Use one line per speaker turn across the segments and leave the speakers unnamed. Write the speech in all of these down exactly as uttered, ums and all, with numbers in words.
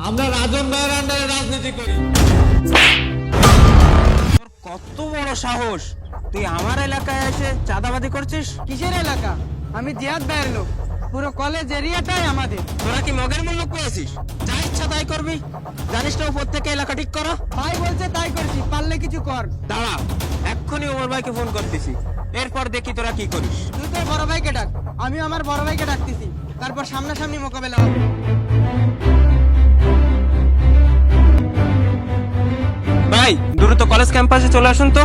আমরা রাজন ভাইয়ের আন্ডারে রাজনীতি করি।
কত বড় সাহস, তুই আমার এলাকায় এসে চাঁদাবাজি করছিস?
কিসের এলাকা? আমি জিয়াদ ভাইয়ের লোক, পুরো কলেজ এরিয়াটাই আমাদের।
তোরা কি মগের মূল্য পেয়েছিস? যা ইচ্ছা তাই করবি, জানিস না উপর থেকে এলাকা ঠিক করো।
ভাই বলছে তাই করছি, পারলে কিছু কর।
দাঁড়া, এক্ষুনি ওমর ভাইকে ফোন করতেছি, এরপর দেখি তোরা কি করিস।
তুই তোর বড় ভাইকে ডাক, আমি আমার বড় ভাইকে ডাকতেছি, তারপর সামনাসামনি মোকাবেলা হবে।
ভাই দ্রুত কলেজ ক্যাম্পাসে চলে আসুন তো।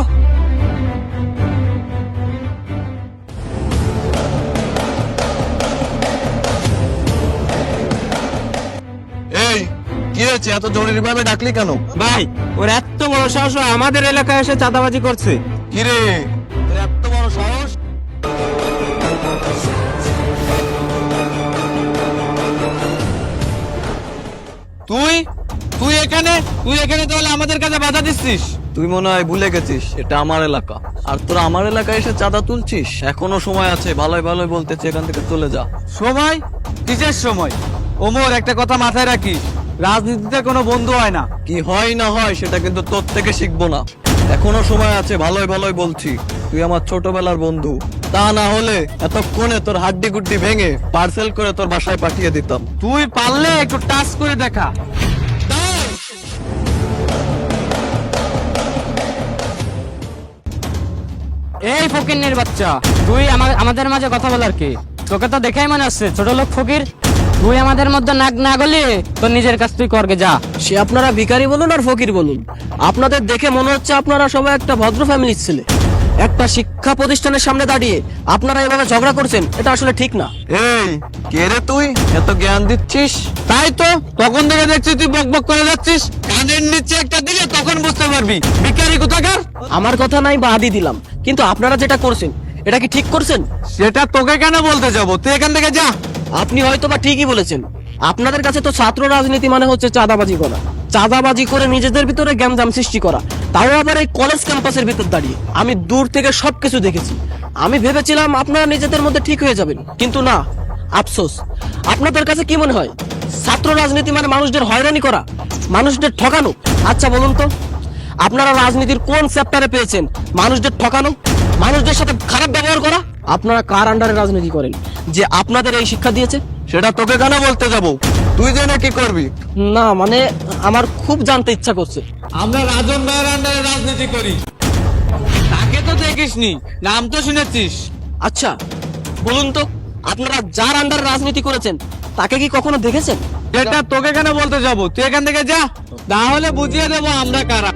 এই কি হয়েছে, এত জরুরি ভাবে ডাকলি কেন?
ভাই ওর এত বড় সাহস, ও আমাদের এলাকায় এসে চাঁদাবাজি করছে।
কি রে, তোর এত বড় সাহস? তুই তুই এখানে তুই এখানে তাহলে আমাদের কাছে বাধা দিচ্ছিস?
তুই মনে হয় ভুলে গেছিস এটা আমার এলাকা, আর তোরা আমার এলাকায় এসে চাঁদা তুলছিস। এখনো সময় আছে, ভালোই ভালোই বলতেছি এখান থেকে চলে যা।
সময়? কিসের সময়? ওমর, একটা কথা মাথায় রাখিস, রাজনীতিতে কোনো বন্ধু হয় না।
কি হয় না হয় সেটা কিন্তু তোর থেকে শিখবো না। এখনো সময় আছে, ভালোই ভালোই বলছি। তুই আমার ছোটবেলার বন্ধু, তা না হলে এতক্ষণে তোর হাড্ডি গুড্ডি ভেঙে পার্সেল করে তোর বাসায় পাঠিয়ে দিতাম।
তুই পারলে একটু টাচ করে দেখা।
এই ফকিরনির বাচ্চা, তুই আমা- আমাদের মাঝে কথা বলার কি? তোকে তো দেখেই মনে হচ্ছে ছোট লোক ফকির। তুই আমাদের মধ্যে নাক না গলিয়ে তোর নিজের কাজ তুই করগে যা।
সে আপনারা ভিখারি বলুন আর ফকির বলুন, আপনাদের দেখে মনে হচ্ছে আপনারা সবাই একটা ভদ্র ফ্যামিলির ছেলে। একটা শিক্ষা প্রতিষ্ঠানের সামনে দাঁড়িয়ে আপনারা এভাবে ঝগড়া করছেন, এটা আসলে ঠিক না।
এই কে রে তুই, এত জ্ঞান দিচ্ছিস?
তাই তো, তখন থেকে দেখছি তুই বক বক করে যাচ্ছিস। কানের নিচে একটা দিলে তখন বুঝতে পারবি ভিখারি কোথাকার।
আমার কথা নাই বা আদি দিলাম, কিন্তু আপনারা যেটা করছেন এটা কি ঠিক করছেন?
সেটা তোকে কেন বলতে যাবো, তুই এখান থেকে যা।
আপনি হয়তো বা ঠিকই বলেছেন। আপনাদের কাছে তো ছাত্র রাজনীতি মানে হচ্ছে চাঁদাবাজি করা, চাঁদাবাজি করে নিজেদের ভিতরে গ্যামজাম সৃষ্টি করা, তাও আবার এই কলেজ ক্যাম্পাসের ভিতর দাঁড়িয়ে। আমি দূর থেকে সবকিছু দেখেছি। আমি ভেবেছিলাম আপনারা নিজেদের মধ্যে ঠিক হয়ে যাবেন, কিন্তু না। আফসোস, আপনাদের কাছে কি মনে হয় ছাত্র রাজনীতি মানে মানুষদের হয়রানি করা, মানুষদের ঠকানো? আচ্ছা বলুন তো, আপনারা রাজনীতির কোন চ্যাপ্টারে পেয়েছেন মানুষদের ঠকানো, মানুষদের সাথে খারাপ ব্যবহার করা? আপনারা কার আন্ডারে রাজনীতি করেন যে আপনাদের এই শিক্ষা দিয়েছে?
সেটা তোকে কেন বলতে যাবো, তুই জেনে কি করবি?
না মানে আমার খুব জানতে ইচ্ছা করছে।
আমরা রাজন ভাইয়ের আন্ডারে রাজনীতি করি। তাকে তো দেখিসনি, নাম তো শুনেছিস।
আচ্ছা বলুন তো, আপনারা যার আন্ডারে রাজনীতি করেছেন তাকে কি কখনো দেখেছেন?
এটা তোকে কেন বলতে যাবো, তুই এখান থেকে যা, তাহলে বুঝিয়ে দেবো আমরা কারা।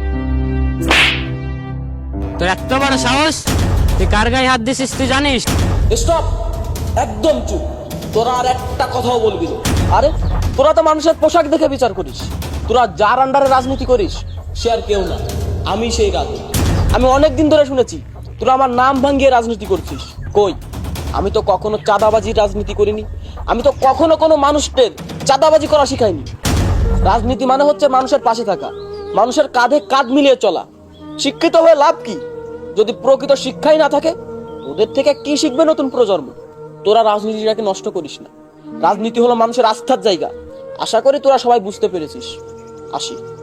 তোর এত বড় সাহস, তুই কার গায়ে হাত দিছিস তুই জানিস?
স্টপ, একদম চুপ। তোরা আর একটা কথাও বলবি না। আরে তোরা তো মানুষের পোশাক দেখে বিচার করিস। তোরা যার আন্ডারে রাজনীতি করিস সে আর কেউ না, আমি সেই রাজনীতি। আমি অনেক দিন ধরে শুনেছি তোরা আমার নাম ভাঙিয়ে রাজনীতি করছিস। কই, আমি তো কখনো চাঁদাবাজি রাজনীতি করিনি। আমি তো কখনো কোনো মানুষদের চাঁদাবাজি করা শিখাইনি। রাজনীতি মানে হচ্ছে মানুষের পাশে থাকা, মানুষের কাঁধে কাঁধ মিলিয়ে চলা। শিক্ষিত হয়ে লাভ কি যদি প্রকৃত শিক্ষাই না থাকে? ওদের থেকে কি শিখবে নতুন প্রজন্ম? তোরা রাজনীতিটাকে নষ্ট করিস না। রাজনীতি হলো মানুষের আস্থার জায়গা। আশা করি তোরা সবাই বুঝতে পেরেছিস। আসি।